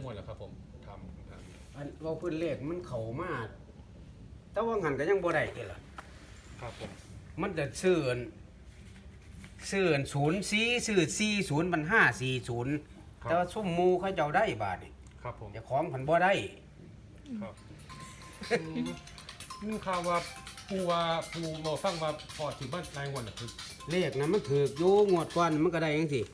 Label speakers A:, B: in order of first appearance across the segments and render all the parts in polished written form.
A: วดแล้วครับผมทำ
B: อันว่าพื้นเลขมันเข้ามาแต่ว่างันก็ยังบ่ได้ติล่ะ
A: ครับผม
B: มันจะซื้อ04ซื้อ40มัน540แต่ว่าซุ่มหมู่เขาเจ้าได้บาดนี่
A: ครับผม
B: เจ้าของเพิ่นบ่ได้
A: ครับนี่ข่าวว่าปูมาฟังว่าพอถึงบ้านนายงวดน่ะคือ
B: เลขนั้นมันถูกอยู่งวดก่อนมันก็ได้จังซี่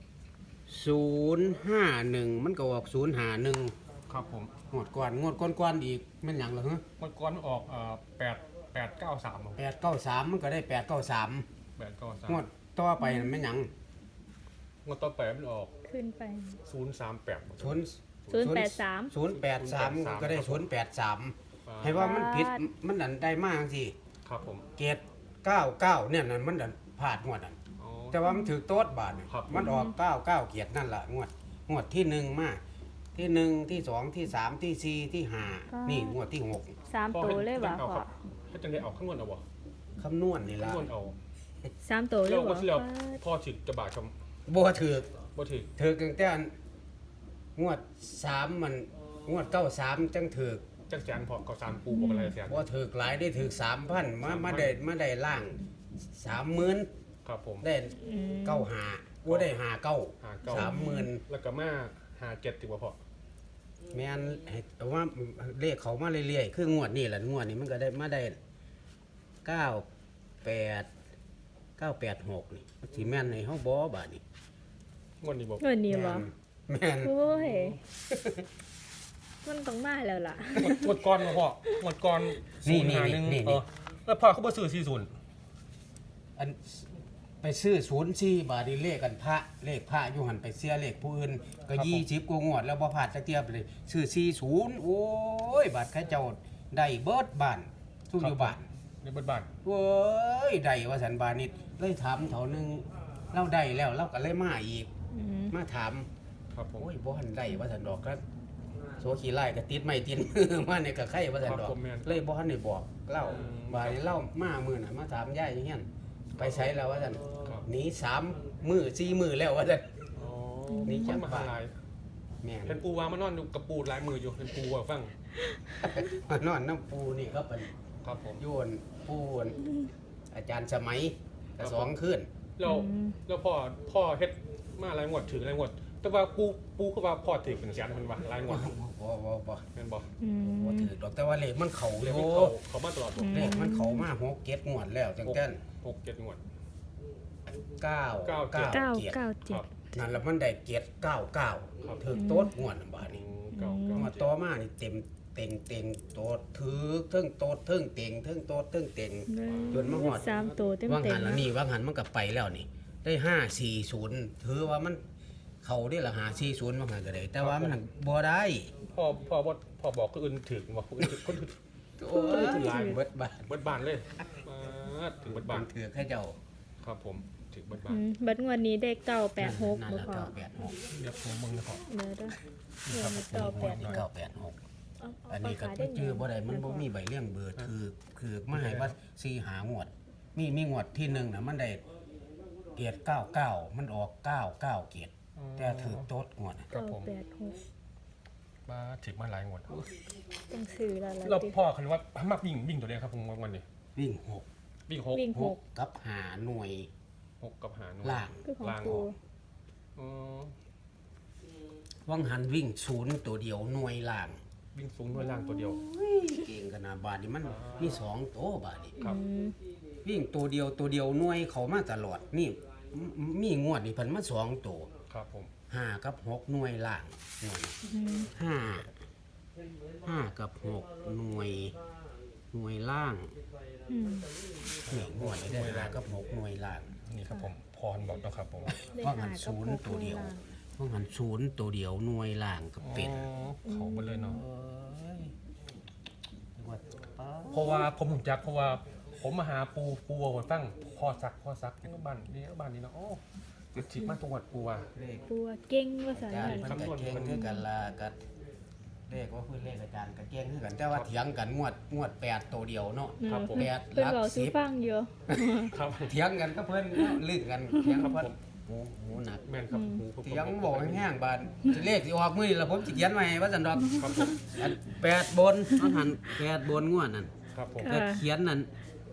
B: 051มันก็ออก051
A: ครับผม
B: งวดก่อนอีกแม่นหยังล่ะฮะ
A: มันก่อนมันออก893
B: 893มันก็ได้893
A: 893
B: งวดต่อไปนั่นแม่นหยัง
A: งวดต่อไปมันออก
C: ขึ้นไป
A: 038
C: 083
B: 083ก็ได้083ให้ว่ามันผิดมันดันได้มากจังซี่
A: ครับผม
B: เกรด99เนี่ยนั่นมันดันพลาดงวดนั้น
A: อ๋อ
B: แต่ว่ามันถือโต๊ดบาทนี่
A: ครับ
B: มันออก99เกียรตินั่นล่ะงวดที่1มาที่1ที่2ที่3ที่4ที่5นี่งวดที่6
C: 3ตัวเลยบ่
A: เอา
C: พ่
A: ค
C: อ
A: รับให้จังได้เอาข้างนวดเอาบ่
B: คำนวณนี่ล่ะ
A: ข้างนวดเอา
C: 3ตัวเลย
A: แล้ว
C: บ่
A: ก็ที่เราพ่อถึกจะบาดค
B: บ่ถือ
A: ำบ่ถึก
B: ถือตั้งแต่อันงวด3มันงวด93จังถือ
A: จังแสนพอก็3ปูบอกอะไรแสน
B: บ่ถือหลายได้ถือ 3,000มาได้ล่าง 30,000
A: ครับผม
B: ได้95บ่ได้59 30,000
A: แล้วก็มา57ติว่าพอ
B: แม่นให้แต่ว่าเลขเขามาเรื่อยๆคืองวดนี้แหละงวดนี้มันก็ได้มาได้986นี่สิแม่นให้เฮาบ่บาดนี้
A: งวดนี้บอก
C: เงินนี่บ่
B: แม่น
C: โอ้ยมันต้องมาแล้วล่ะ
A: งวดก่อนพ่องวดก่อน051แล้วพ่อเขาบ่ซื้อ40
B: อันไปซื้อ04บาทนี่เลขกันพระเลขพระอยู่หั่นไปเสียเลขผู้อื่นก็20กว่างวดแล้วบ่พลาดจักเที่ยไปเลยซื้อ40โอ้ยบาทเขาเจ้าได้เบิดบ้านทุกอยู่บ้าน
A: ในเบิดบ้าน
B: เว้ยได้ว่าสันบานิดเลยถามเถานึงเราได้แล้วเราก็เลยมาอีก มาถาม
A: ครับผม
B: โอ้ยบ่ทันได้ว่าสันดอกครับโซขี้ไล่ก็ติดไม่ติดมือมาเนี่ยก็ไข่ว่าสันดอกเลยบ่ทันได้บอกเล่าบาดนี้เล่ามามื้อน่ะมาถามยายอย่างเงี้ยไปใช้แล้วว่าสันหนี3มื้อ4มื้อแล้วว่าสัน
A: อ๋อ
B: นี่จัง
A: มา
B: บ้าน
A: หลาย
B: แม่น
A: เป็นปูวางมานอนอยู่กับปูหลายมืออยู่เป็นปูว่าฟัง
B: มานอนน้ำปูนี่ก็เป็น
A: ครับผม
B: โยนปูนอาจารย์สมัยก็2คืน
A: แล้วพ่อเฮ็ดมาหลายงวดถึงหลายงวดแต่ว่าปูก็ว่าพ่อถึงเป็นแสนเพิ่นว่าหลายงวด
B: บ่
A: แม่นบ่
B: บ่ถือดอกแต่ว่าเลขมันเข้าอ
A: เรียก
B: ยู่
A: ว่าเขามาตลอดบ่
B: เลขมันเข้ามา6 7งวดแล้วจังแต่น
A: 6 7งวด
B: 9
A: เก้า
B: 9 7
A: ครับ
C: 997
B: นั่นแล้วมันได้7 9 9ถึกโต๊ดงวดน่ะบาดนี้
A: เก้า
B: งวดต่อมานี่เต็มเต็งโต๊ดถือเทิงโต๊ดเทิงเต็งเทิงโต๊ดเทิงเต็ง จนมาฮอด
C: 3ตัวเต็ม
B: ว่าง
C: เต็
B: หั
C: ม
B: นแล้วนี่ว่างหันมันก็ไปแล้วนี่ได้540ถือว่ามันเข้าได้ละ540ว่างหันก็ได้แต่ว่ามันบ่ได้
A: พ่อบอกคนอื่นถึงบ่คนอื่นถึงคนอื่น
B: โอ้ยหลายเบิดบาท
A: เบิดบ้านเลยมาถึงเบิดบ้าน
B: ถือให้เจ้า
A: ครับผมถึงเบิดบ้าน
C: บัดงวดนี้ได้986
B: นั่น
C: บ่
B: ละ
C: พอ
B: 986
A: เดี๋ยวผมมึงนะพ่อ
C: เด้อเด้อเงิน
B: นี่
C: 986
B: อันนี้ก็ชื่อบ่ได้มันบ่มีใบเลี้ยงเบอร์คือมาให้ว่า4หางวดมีงวดที่1น่ะมันได้เกียรติ99มันออก99เกียรติแต่ถือโต๊ดงวดน่ะ
A: ครับผม
C: 986
A: มาถึงมาหลายงวด
C: ต้องซื้อแล้วล่ะ
A: เราพ่อคันว่ามักวิ่งตัวเดียวครับผมวันนี้
B: วิ่ง
A: วิ่ง
C: วิ่ง
B: 6 6กับหาหน่วย
A: 6กับหาหนู
B: ล่าง
C: คือของ
A: ล่าง
C: ปู
A: อ๋อ
B: วังหันวิ่ง0ตัวเดียวหน่วยล่าง
A: วิ่งสูงด้วยล่างตัวเดียว
B: เก่งขนาดบาดนี้มันมี2ตัวบาดนี้
A: ครับ
B: วิ่งตัวเดียวหน่วยเขามาตลอดนี่มีงวดนี่เพิ่นมา2ตัว
A: ครับผม
B: 5กับ6หน่วยล่างหน่วย5กับ6หน่วยล่าง นี่งวดนี่ได้5กับ6หน่วยล่าง
A: นี่ครับผมพรบอกนะครับผม
B: ว่างัน0ตัวเดียวว่างัน0ตัวเดียวหน่วยล่างก็เป็น
A: เขาไปเลยเนาะ
B: ว่าป้า
A: เพราะว่าผมถูกจักเพราะว่าผมมาหาปูวัวตั้งพ่อซักนี่บ้านนี้เนาะโอ้จุดฉีดมาตรงวัดปูว่า
B: เลข
C: ปูเก่งว่าซั่น
B: อาจารย์
C: นั่น
B: มันก็เก่งคือกันละก็เลขว่าพื้นเลขอาจารย์ก็เก่งคือกันแต่ว่าเถียงกันงวด8ตัวเดียวเนาะ
A: ครับผม
B: แปด
C: เพิ่น
B: หลัก
C: เว้าสู่
B: 10
C: ฟังอยู่
A: ครับ
B: เถียงกันก็เพิ่นลื่นกันเถียงกับเพิ่นหูหนัก
A: แม่นครับหูผม
B: เสียงบอกแห้งๆบาดสิเลขสิออกมื้อนี้ล่ะผมสิเขียนไว้ให้ว่าซั่นดอก
A: ครับผม
B: อัน8บนมันหัน8บนงวดนั่น
A: ครับผม
B: ก็เขียนนั่น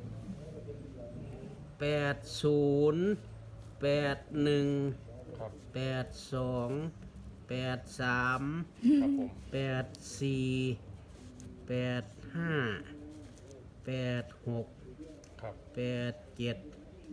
B: 80 81
A: ครับ
B: 82 83
A: ครับผม
B: 84 85 86
A: ครับ
B: 87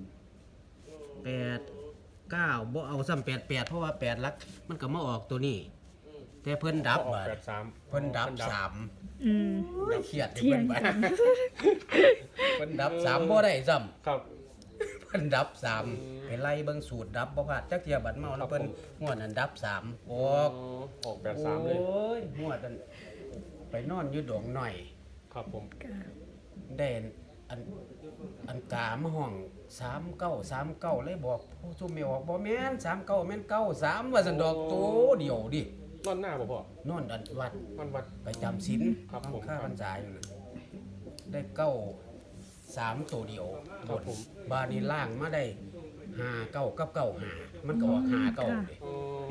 B: 89บ่เอาซ้ำ88เพราะว่า8หลักมันก็มาออกตัวนี้ แต่เพิ่นดับ
A: ออก
B: บัด
A: 83
B: เพิ่นดับ3
C: อืม
B: เครียด
C: เที่ยง
B: บัด
C: กัน
B: เพิ่นดับ3บ่ได้ซ้ำ
A: ครับ
B: เพิ่นดับ3ไปไล่เบิ่งสูตรดับบ่พลาดจักเที่ยบัดเมาแล้วเพิ่นงวดนั้นดับ3ออก
A: ออก83เลย
B: โอ้ยงวดนั้นไปนอนอยู่ดงหน่อย
A: ครับผม
B: ได้อันกามาห้อง39เลยบอกผู้ซุ่มไม่ออกบ่แม่น39แม่น93ว่าซั่นดอกโตเดียวดิ
A: นอนหน้าบ่พ่อน
B: อนอันวัด
A: มันวัด
B: ไปจำศีล
A: ครับผม
B: ข้าพรรษาอยู่น่ะได้3ตัวเดียว
A: ครับผม
B: บาดนี้ล่างมาได้59กับ95มันก็ออก59เด้
A: อ๋อ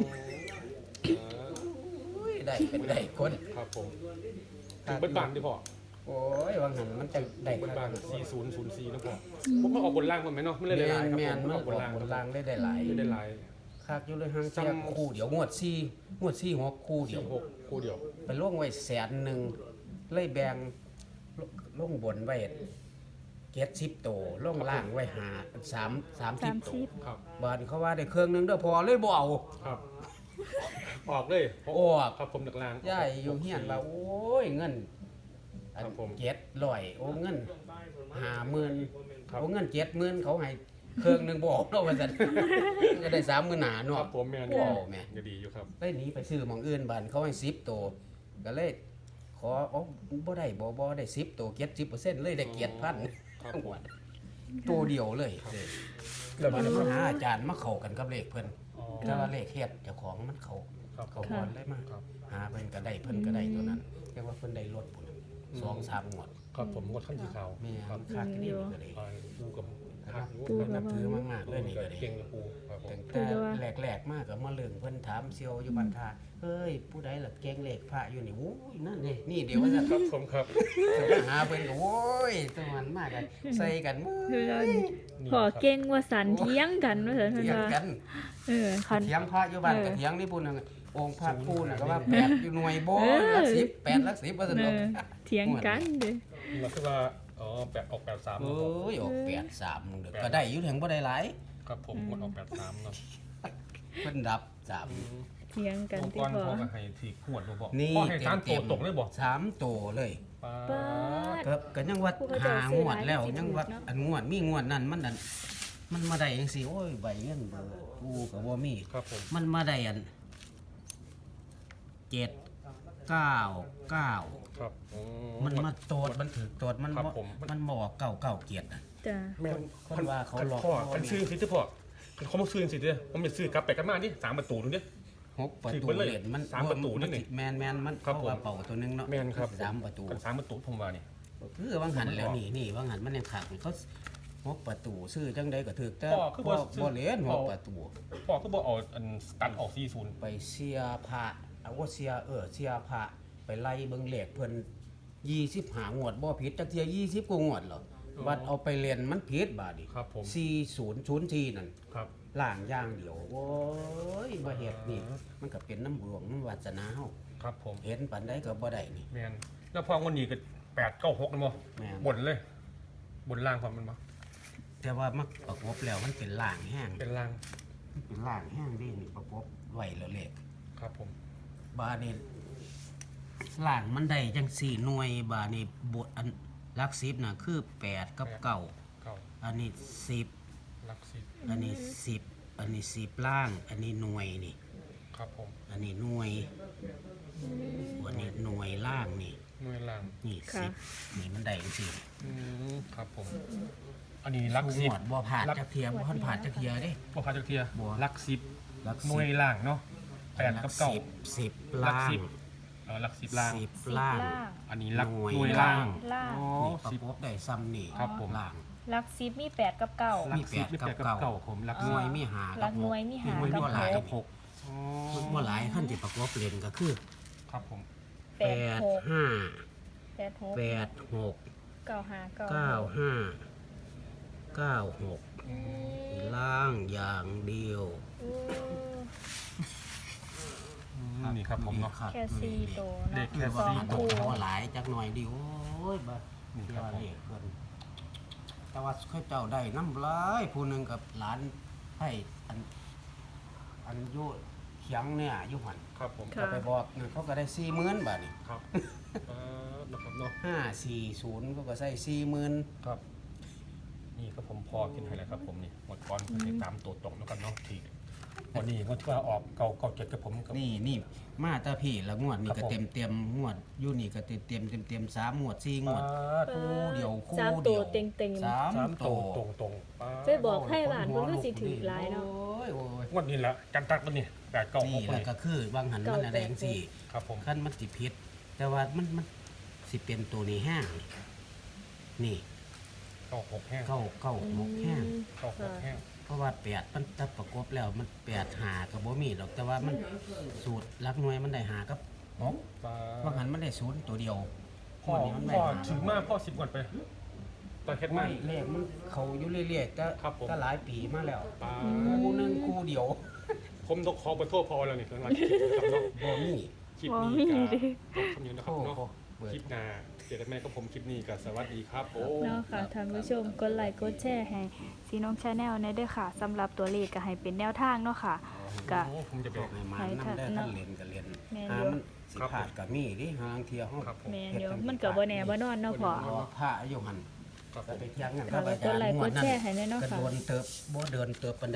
B: โอ้ยได้เป็นได้คน
A: ครับผมถึงเบิ้ลบานดิพ่อ
B: โอ้ยว่างั้นมันจะได้
A: เบิ้ลบาน4004นะพ่อผมมาออกบนล่างมันไหมเนาะไม่เลยได้หลายครับ
B: แม่
A: ผ
B: น
A: ม
B: มัน
A: อ
B: อ
A: อ
B: อก ก
A: บนล่าง
B: บนล่างได้หลาย
A: ไม่ได้หลาย
B: คักอยู่เลยห่างเสีย
A: จำ
B: คู่เดียวงวด4 6คู่เดียว
A: 46คู่เดียว
B: ไปล่วงไว้100,000เลยแบ่งลงบนไว้70ตัวลงล่างไว้30ตัว
C: 30
A: ครับ
B: บาดนี้เขาว่าได้เครื่องนึงเด้อพอเลยบ่เอา
A: ครับ ออกเลย
B: ออก
A: ครับผมหนักล่าง
B: ยายอยู่เฮียนว่าโอ้ยเงินอัน
A: ครับผม
B: 700โอ้เงิน50,000
A: ครับ
B: โอ้เงิน70,000เขาให้เครื่องนึงบ่ออกเนาะว่าซั่น ก็ได้30,000หนา
A: ค
B: เนาะ
A: รับผมแม่น
B: โอ้แม่
A: ก็ดีอยู่ครับ
B: เลยหนีไปซื้อหม่องอื่นบ้านเขาให้10ตัวก็เลยขออ๋อบ่ได้บ่ได้10ตัว70%เลยได้เกียรติพัน
A: ครับ
B: ทั้ง
A: ผ
B: หม
A: ม
B: ดตัวเดียวเลย
A: ครับ
B: แล้วมันมาหาอาจารย์มาเข้ากันกับเลขเพิ่น
A: อ๋อ
B: แต่ว่าเลขเฮ็ดเจ้าของมันเข้า
A: ครับ
B: เขาบอลเลยมา
A: ครับ
B: หาเพิ่นก็ได้เพิ่นก็ได้ตัวนั้นเรียกว่าเพิ่นได้รถพุ่น2-3งวด
A: ครับผมงดขั้นสีขาว
B: แม่
A: ครับ
B: ค่าที่นี่ก็ได้
A: ไปปูกับหัก
C: ปูกับ
B: นับถือมากๆเลยนี่ก็ได้
A: เก่งกับปูครับผม
B: ตั้งแต่แรกๆมาก็มาเรื่องเพิ่นถามเซียวอยู่บ้านท่าเฮ้ยผู้ใดล่ะเก่งเลขพระอยู่นี่โอ้ยนั่นนี่เดี๋ยวว่าจะ
A: ครับผมครับ
B: หาเพิ่นก็โอ้ยตะวันมากกันใส่กันมื้
C: คือ
B: อ
C: เราพอเก่งว่าสันเที่ยงกันว่าซั่นเพิ่น
B: เถียง
C: ว่า
B: กัน
C: คัน
B: เถียงพระอยู่บ้านก็เถียงนี่พุ่นน่ะองค์พระปูน่ะก็ว่า8อยู่หน่วยบ่
C: เออ
B: หลัก10 8หลัก10ว่าซั่น
C: เอ
B: เนาะ
C: อเที่ยงกันเด้อ
A: มันคือว่าอ๋อออก83
B: โอ้
A: เนาะ
B: ยออก83นึงเด้อก็ได้อยู่ถึงบ่ได้หลาย
A: ครับผมงดออก83เนาะ
B: เพิ่นดับ3
C: เที่ยงกัน
A: องค์
C: ที่
A: กร
C: พอ
A: พ่อก็ให้ถีบขวดบ่บอก
B: นี่
A: พ่อให้ทานโตตกเลยบอก
B: 3ตัวเลย
A: ป้า
C: ป๊าด
B: ก็ยังว่า
C: ผู้เขาจะ
B: หา
C: ซื้
B: ง
C: อ
B: วดแล้ว
C: หลายสิบ
B: ยังว่า
C: เนาะ
B: อันงวดมีงวดนั้นมันนั่นมันมาได้จังซี่โอ้ยใบเงินเบอร์กูก็บ่มี
A: ครับผม
B: มันมาได้อัน799
A: ครับอื
B: มันมาโตดมันถือโตดมัน
A: ครับ
B: บ่
A: ผม
B: มันบอก997อ่ะ
C: จ้ะ
A: แม่น
B: คนว่าเขาหลอก
A: พ่อกันซื้อสิที่พ่อเขามาซื้อสิเด้อผมจะซื้อกลับไปกันมาดิ3ประตูนึงเด้อ
B: 6ประ
A: ถือ
B: ตู
A: ไปเลย
B: เหรียญมัน
A: สามประตูนี่นี่
B: แมนมัน
A: ครับ
B: เข้าว่าเป่าตัวหนึงเนาะ
A: แม่นครับ
B: 3ประตู
A: กัน3ประตูผมว่านี่
B: คือว่างหันแล้วนี่ว่างหันมันยังขังเขา6ประตูซื้อจังไดก็ถูกแต่
A: พ่อคือบ่ซื้อ
B: บ่เหรียญ
A: พ่อ
B: 6ประตู
A: พ่อก็บอกเอาอันตัดออก40
B: ไปเสียพระเอาว่าเสียพระไปไล่เบิ่งเลขเพิ่น25งวดบ่ผิดจักเที่ย20กว่างวดหรอกบัดเอาไปเรียนมันผิดบาดนี้
A: ครับผม
B: 4004นั่น
A: ครับ
B: ล่างอย่างเดียวโอ้ยบ่เฮ็ดนี่มันก็เป็นน้ำหลวงน้ำวาสนาเฮา
A: ครับผม
B: เห็นปานใดก็บ่ได้นี่
A: แม่นแล้วพอวันนี้ก็896นะบ่
B: แม่น
A: บนเลย บนล่างความมันบ่
B: แต่ว่ามันประกบแล้วมันเป็นล่างแห้ง
A: เป็นล่าง
B: มันเป็นล่างแห้งดีนี่ประกบไว้แล้วเลข
A: ครับผม
B: บาดนี้ล่างมันได้จัง4หน่วยบาดนี้บทอันหลัก10น่ะคือ8กับ9
A: เก่า
B: อันนี้10
A: หลัก10
B: อันนี้10อันนี้10ล่าง อันนี้หน่วยนี่
A: ครับผม
B: อันนี้หน่วยอันนี้หน่วยล่างนี่
A: หน่วยล่าง
B: นี่
C: ค่ะ
B: 10นี่มันได้จังซี่
A: ครับผม อันนี้หลัก
B: หวดบ่ผ่านจักเทียบ่ผ่านจักเทียเด้
A: บ่พาจักเทีย
B: บ่
A: หลัก
B: หลัก
A: 10หน่วยล่างเนาะ8กับ9
B: 10
A: หลัก
B: ล่าง
A: หลัก10ล่าง
B: 10ล่าง
A: อันนี้หลัก
B: หน่วย
A: หน่วยล่าง
C: ล่าง
A: อ๋อ
B: นี่ประกบได้ซ้ำนี่
A: ครับผม
B: ล่าง
C: หลัก10มี8กับ9
B: มีแปดกับเก้า
A: ผมรัก
B: หน่วยมีหา
C: หลั
B: กับ
C: กห
B: ห
C: น่
B: ก
C: วยมี
B: ห
C: 5
B: น่วย
C: กับ
B: บ่หลายกับ
C: 6
B: หกบ่หลายขั้นสิประกอบเล่นก็คือ
A: ครับผม
B: แปดห้า
C: 8 6
B: แปดหก
C: 9 5 9
B: เก้าห้าเก้าหก
C: อืม
B: ล่างอย่างเดียว
C: อืม
A: นี่ครับผมเนาะ
B: รับ
C: แค่4ตัว
A: เด็
C: เนาะ
A: กแค่
B: คือว่า
A: สี่
B: มัน
A: ตั
B: ต้
A: ว
B: องหลายจักหน่อยดิโอ้ยบ่
A: นี่
B: เที่
A: ค
B: ย
A: รับ
B: ว
A: ผม
B: เลขเพิ่นแต่ว่าเขาเจ้าได้น้ำลายผู้หนึงกับหลานให้อันอยู่เขียงเนี่ยอยู่หั่น
A: ครับผม
C: ค่ะ
B: ก็ไปบอกนั่นเขาก็ได้40,000บาทนี่
A: ครับนะครับเนาะ
B: 540เขาก็ใส่40,000
A: ครับนี่ก็ผมพอกินให้แล้วครับผมนี่หมดก้อนก็ติดตามตัวตรงแล้วกันเนาะทีวันนี้วันที่ว่าออกเก่า7กับผมกับ
B: นี่มาแตาพี่ละงวดนี่
A: ครั
B: ก็
A: บผม
B: เต็มงวดอยู่นี่ก็เต็ม3งวด4งวด คู่เดียวคู่
C: สาม
B: เดี
C: ตัว
B: ยว
C: เต็งๆ
B: สาม
A: สาม
B: ตั
A: ตร
B: ว
A: งตรง
C: ไปบอกให้หลานเพิ่นก็สิถือหลายเนาะ
B: โอ้ย
A: วันนี้แหละกันตักวันนี้แต่เก่า
B: นี่
A: 6
B: แหละ
A: นี่
B: ก็คือบางหันมันอะไรจังซี่
A: ครับผม
B: คันมันสิผิด แต่ว่ามันสิเป็นตัวนี้ห้างนี่
A: เก่า6แห้ง
B: เก้าหกห้าง
A: เก่า6แห้ง
B: เพราะว่า8มันถ้าประกบแล้วมัน8หาก็บ่มีดอกแต่ว่ามันสูตรหลักหน่วยมันได้หากับ6บางหันมันได้0ตัวเดียว
A: พ่อ
B: วันนี้มันได้
A: พ่อ
B: หา
A: ถือมาพ่อ10ก่อนไปตอนเฮ็ดมา
B: ไม่เลขมันเขาอยู่เรื่อยๆแต่
A: ครับผม
B: ก็หลายปีมาแล้ว
A: ปลา
B: คู่หนึงคู่เดียว
A: ผมต้องขอไปโทษพอแล้วนี่หลังๆคลิปนี้ครับเนาะ
B: บ่มี
A: คลิป
C: บ่
A: นี้
C: มี
A: ก็
C: ดิ
A: ต้องคำนี้นะครับเนาะ
B: เปิด
A: คลิปหน้าเจอกันแม่ก็ผมคลิปนี้ก็สวัสดีครับผม
C: เนาะค่ะท่านผู้ชมกดไลค์กดแชร์ให้ซีน้องชาแนลในเด้อค่ะสำหรับตัวเลขก็ให้เป็นแนวทางเนาะค่ะก็
A: โอ้ผมจะไป
B: บอกให้มันนำได้ท่านเรียนก็เรียน
C: แม่น
B: หา
C: อยู่
B: มันสิขาดก็มีดิหางเที่ยวห้อง
A: ครับผม
C: แม่นเดี๋ยวมันก็บ่แน่บ่นอนเนาะพ่อ
B: เพราะว่าพระอยู่หัน
A: ครับผ
B: ก็
A: ม
B: ไปเที่ยงกัน
C: ก็กดไลค์กดแชร์ให้แน่เนาะ
B: ก็
C: ค่ะ
B: โดนเติบบ่เดินเติบปานใด